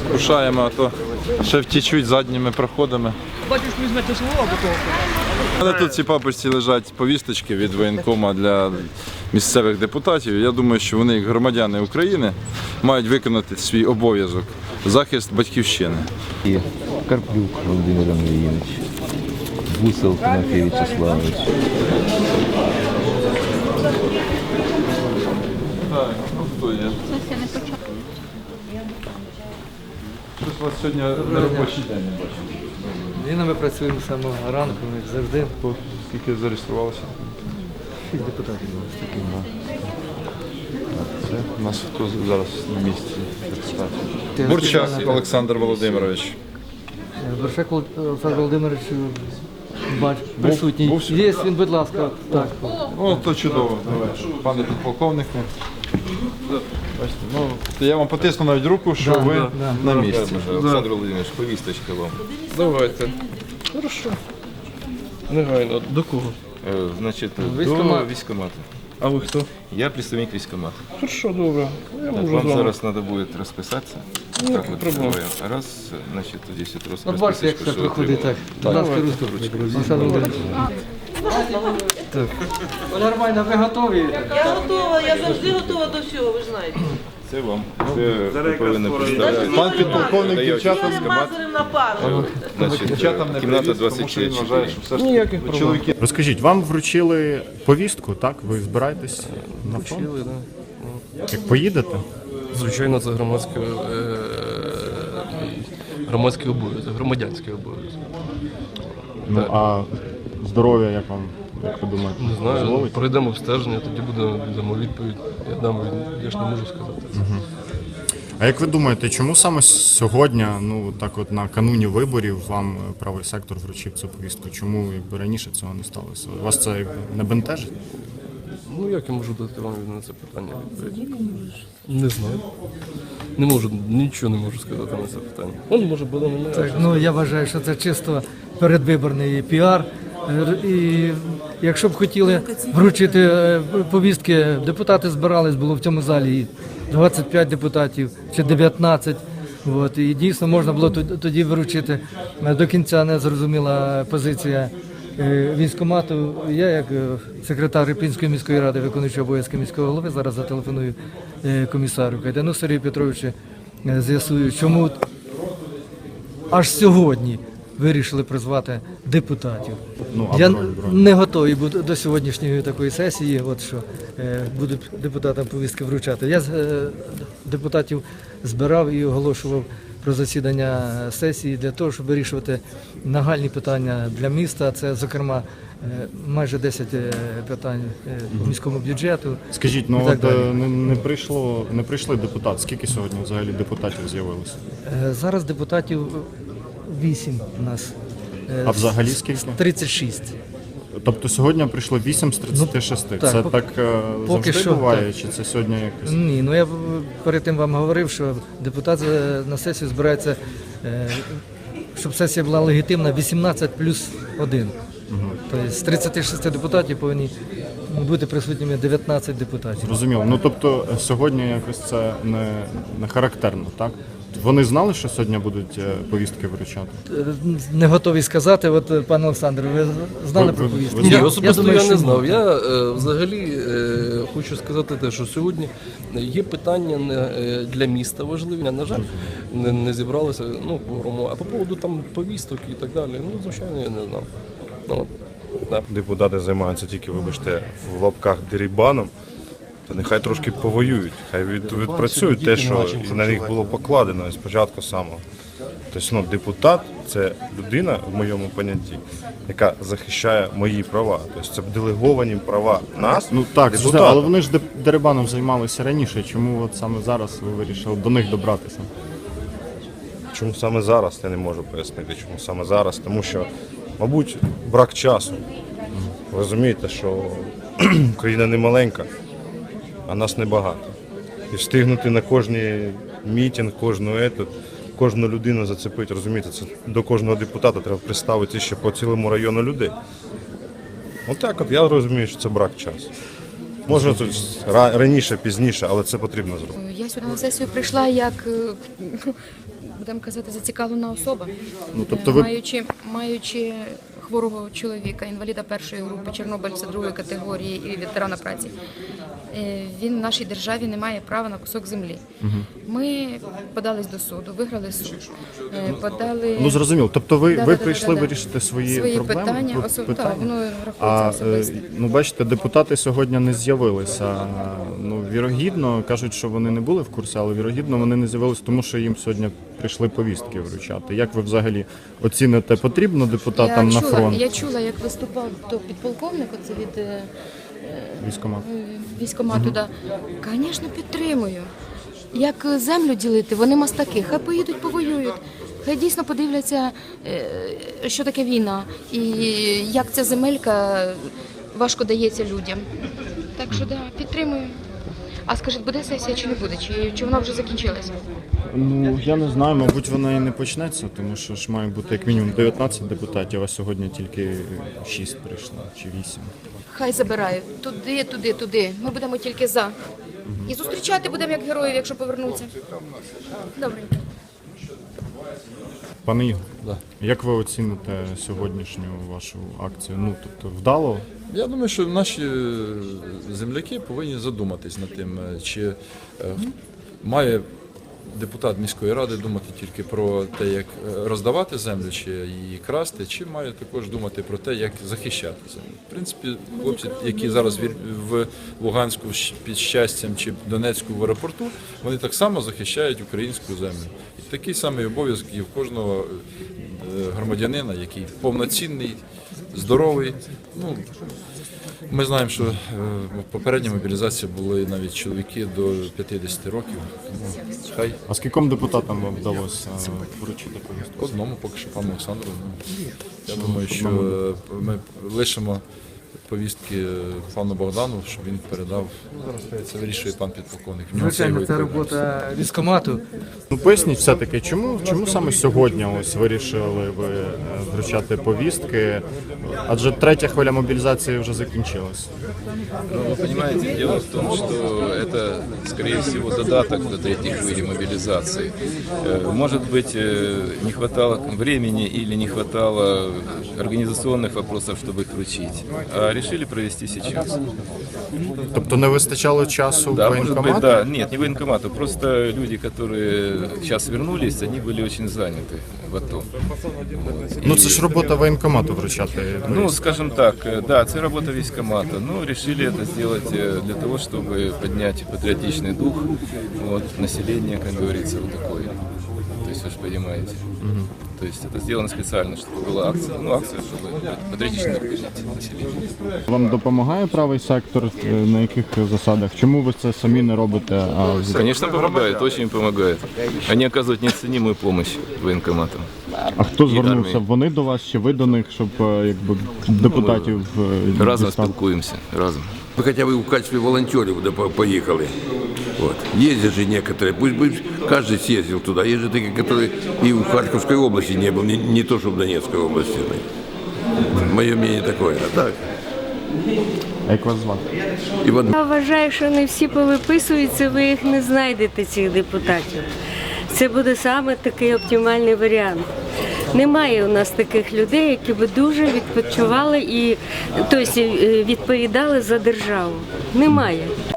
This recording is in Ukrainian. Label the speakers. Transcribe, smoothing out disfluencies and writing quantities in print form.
Speaker 1: Поспішаємо, а то ще втічуть задніми проходами.
Speaker 2: Бачиш, візьмете село або того.
Speaker 1: Але тут в цій папочці лежать повісточки від воєнкома для місцевих депутатів. Я думаю, що вони, як громадяни України, мають виконати свій обов'язок – захист батьківщини.
Speaker 3: Карплюк Володимир Андрійович, Гусел Тимофій Вячеславович.
Speaker 1: Так, ну хто є? Щось у вас сьогодні неробочий день, я бачу.
Speaker 2: Ми працюємо з самого ранку, як завжди.
Speaker 1: Скільки зареєструвалося?
Speaker 2: 6 депутатів було.
Speaker 1: Це у нас хто зараз на місці депутатів? Бурчак Олександр Володимирович.
Speaker 2: Борщак Олександр Володимирович, бач, присутній.
Speaker 1: був
Speaker 2: Є він, будь ласка. Так.
Speaker 1: О, то чудово. Пане підполковнику. Бачите, ну, я вам потисну навіть руку, що
Speaker 2: Да,
Speaker 1: ви
Speaker 2: да.
Speaker 1: на місці.
Speaker 3: Олександр Володимирович, повісточка вам.
Speaker 4: Давайте. Хорошо. Негайно. До кого?
Speaker 3: Значить,
Speaker 2: Військкомат.
Speaker 3: до військкомату.
Speaker 4: А ви хто?
Speaker 3: Я представник військкомату.
Speaker 4: Хорошо, добре. Я
Speaker 3: Так,
Speaker 4: можу
Speaker 3: вам
Speaker 4: з вами.
Speaker 3: зараз треба буде розписатися.
Speaker 4: Ніяких
Speaker 3: Так, от,
Speaker 4: проблем.
Speaker 3: троє. Раз, значить, тоді ще трохи
Speaker 2: От бачите, як це проходить так. Будь ласка, ручку. Олександр Володимирович. Нормально, ви готові?
Speaker 5: Я готова, я завжди готова до всього, ви ж знаєте.
Speaker 3: Це вам. Це ви повинні представляти.
Speaker 1: Пан підполковник дівчатам,
Speaker 5: Мазарем на пару.
Speaker 3: Значить,
Speaker 1: дівчатам не
Speaker 3: кімната
Speaker 1: привіз, тому що він
Speaker 3: 24.
Speaker 1: вважає, що все ж
Speaker 4: Ніяких
Speaker 1: таки
Speaker 4: проблем.
Speaker 1: чоловіки.
Speaker 6: Розкажіть, вам вручили повістку, так? Ви збираєтесь на фронт?
Speaker 4: Вчили, да.
Speaker 6: Як поїдете?
Speaker 4: Звичайно, це громадський обов'язок, громадянський обов'язок.
Speaker 6: Ну а здоров'я як вам, як ви думаєте?
Speaker 4: Не знаю,
Speaker 6: дозволить?
Speaker 4: пройдемо обстеження, тоді дамо відповідь. Я ж не можу сказати це.
Speaker 6: А як ви думаєте, чому саме сьогодні, ну так от накануні виборів, вам правий сектор вручив цю повістку? Чому якби раніше цього не сталося? Вас це якби не бентежить?
Speaker 4: Ну як я можу дати вам на це питання відповідь? Не знаю. Не можу, нічого не можу сказати на це питання. Он може буде не
Speaker 2: Так, ну я вважаю, що це чисто передвиборний піар. І якщо б хотіли вручити повістки, депутати збирались, було в цьому залі і 25 депутатів чи 19. От, і дійсно можна було тоді вручити. До кінця не зрозуміла позиція військкомату. Я, як секретар Ірпінської міської ради, виконуючий обов'язки міського голови, зараз зателефоную комісару Кайдану Сергію Петровичу, з'ясую, чому аж сьогодні вирішили призвати депутатів.
Speaker 6: Ну, а
Speaker 2: Я
Speaker 6: бронь?
Speaker 2: не готовий буду до сьогоднішньої такої сесії, от що будуть депутатам повістки вручати. Я депутатів збирав і оголошував про засідання сесії для того, щоб вирішувати нагальні питання для міста. Це, зокрема, майже 10 питань по міському бюджету.
Speaker 6: Скажіть,
Speaker 2: і
Speaker 6: ну
Speaker 2: так
Speaker 6: от
Speaker 2: далі.
Speaker 6: не прийшли депутати. Скільки сьогодні взагалі депутатів з'явилося?
Speaker 2: Зараз депутатів 8 у нас.
Speaker 6: А взагалі скільки?
Speaker 2: 36.
Speaker 6: Тобто сьогодні прийшло 8 з 36.
Speaker 2: так,
Speaker 6: Це
Speaker 2: поки-
Speaker 6: так
Speaker 2: поки
Speaker 6: завжди
Speaker 2: що,
Speaker 6: буває, чи це сьогодні якось?
Speaker 2: Ні, ну я перед тим вам говорив, що депутат на сесію збирається, щоб сесія була легітимна, 18 плюс 1. Тобто з 36 депутатів повинні бути присутніми 19 депутатів.
Speaker 6: Зрозуміло. Ну тобто сьогодні якось це не характерно, так? Вони знали, що сьогодні будуть повістки вручати?
Speaker 2: Не готові сказати, от пане Олександр, ви знали про повістку?
Speaker 4: Ні,
Speaker 2: Я
Speaker 4: особисто
Speaker 2: думаю,
Speaker 4: я
Speaker 2: що
Speaker 4: не знав.
Speaker 2: ні.
Speaker 4: Я взагалі хочу сказати те, що сьогодні є питання для міста важливі. На жаль, не зібралися кворуму. А по поводу там повісток і так далі, ну звичайно, я не знав. Ну, да.
Speaker 7: Депутати займаються тільки, вибачте, в лапках дерибаном, то нехай трошки повоюють, хай відпрацюють те, що на них було покладено спочатку самого. Тобто, депутат – це людина, в моєму понятті, яка захищає мої права. Тобто це делеговані права нас,
Speaker 6: Ну так,
Speaker 7: депутатів.
Speaker 6: але вони ж дерибаном займалися раніше. Чому от саме зараз ви вирішили до них добратися?
Speaker 7: Чому саме зараз, я не можу пояснити, чому саме зараз, тому що, мабуть, брак часу. Ви розумієте, що Україна не маленька, а нас небагато. І встигнути на кожний мітинг, кожну людину зацепити, розумієте, це до кожного депутата треба представити ще по цілому району людей. Отак от я розумію, що це брак часу. Може тут раніше, пізніше, але це потрібно зробити.
Speaker 8: Я сюди на сесію прийшла як, будемо казати, зацікавлена особа.
Speaker 6: Ну, тобто ви-
Speaker 8: Маючи хворого чоловіка, інваліда першої групи, чорнобильця другої категорії і ветерана праці. Він в нашій державі не має права на кусок землі. Ми подались до суду, виграли суд. Подали...
Speaker 6: Ну зрозуміло. Тобто ви
Speaker 8: Да-да-да-да-да.
Speaker 6: прийшли вирішити свої проблеми?
Speaker 8: питання, так, воно
Speaker 6: А
Speaker 8: рахується особисто.
Speaker 6: ну бачите, депутати сьогодні не з'явилися. Ну вірогідно кажуть, що вони не були в курсі, але вірогідно вони не з'явилися, тому що їм сьогодні прийшли повістки вручати. Як ви взагалі оціните, потрібно депутатам на фронт?
Speaker 8: Я чула, як виступав то підполковник, оце від
Speaker 6: Військкомат?
Speaker 8: військкомату. Да. Звісно, підтримую. Як землю ділити, вони мастаки, хай поїдуть, повоюють. Хай дійсно подивляться, що таке війна і як ця земелька важко дається людям. Так що да, підтримую. А скажіть, буде сесія чи не буде? Чи вона вже закінчилася?
Speaker 6: Ну я не знаю, мабуть, вона і не почнеться, тому що ж має бути як мінімум 19 депутатів, а сьогодні тільки 6 прийшло чи 8.
Speaker 8: Хай забирають. Туди. Ми будемо тільки за. І зустрічати будемо як героїв, якщо повернуться. Добренько.
Speaker 6: Пане Ігор, як ви оціните сьогоднішню вашу акцію? Ну тобто вдало?
Speaker 1: Я думаю, що наші земляки повинні задуматись над тим, чи має депутат міської ради думати тільки про те, як роздавати землю, чи її красти, чи має також думати про те, як захищати землю. В принципі, хлопці, які зараз в Луганську під Щастям чи Донецьку в аеропорту, вони так само захищають українську землю. І такий самий обов'язок є в кожного громадянина, який повноцінний, здоровий. Ну, ми знаємо, що в попередній мобілізації були навіть чоловіки до 50 років. Тому хай
Speaker 6: А скільком депутатам вам вдалося вручити повістку?
Speaker 1: одному, поки що пану Олександру. Я думаю, що ми лишимо повістки пану Богдану, щоб він передав. Це вирішує пан підполковник. В нього
Speaker 2: Звичайно,
Speaker 1: це
Speaker 2: це
Speaker 1: його
Speaker 2: робота військкомату.
Speaker 6: Ну поясніть все-таки, чому саме сьогодні ось вирішили ви вручати повістки? Адже третя хвиля мобілізації вже закінчилась.
Speaker 3: Ну, вы понимаете, дело в том, что это, скорее всего, додаток до третьей хвили мобилизации. Может быть, не хватало времени или не хватало организационных вопросов, чтобы их вручить. А решили провести сейчас.
Speaker 6: Тобто не вистачало часу
Speaker 3: Да, может быть,
Speaker 6: воєнкомату?
Speaker 3: да. Нет, не военкомату. Просто люди, которые сейчас вернулись, они были очень заняты в АТО.
Speaker 6: Ну це ж робота воєнкомату вручати.
Speaker 3: Ну, скажем так, да, это работа військкомата. Но решили это сделать для того, чтобы поднять патриотичный дух населения, как говорится, вот такое. То есть вы же понимаете. То есть это сделано специально, чтобы была акция. Ну, акция, чтобы патриотично поднять население.
Speaker 6: Вам допомагає правий сектор? На яких засадах? Чому ви це самі не робите?
Speaker 3: Конечно, помогает, очень помогает. Они оказывают неоценимую помощь военкоматам.
Speaker 6: А хто звернувся?
Speaker 3: армії.
Speaker 6: Вони до вас чи ви до них, щоб якби депутатів
Speaker 3: Разом
Speaker 6: дістати?
Speaker 3: спілкуємося, разом.
Speaker 9: Мы хотя бы в качестве волонтеров поехали. Вот. Ездят же некоторые, пусть бы каждый съездил туда. Есть же такие, которые и в Харьковской области не был, не то, что в Донецкой области. Мое мнение такое. А так,
Speaker 6: А як вас звати?
Speaker 9: Иван
Speaker 10: Я вважаю, що не всі повиписуються, ви їх не знайдете, цих депутатів. Це буде саме такий оптимальний варіант. Немає у нас таких людей, які б дуже відпочивали і тобто, відповідали за державу. Немає.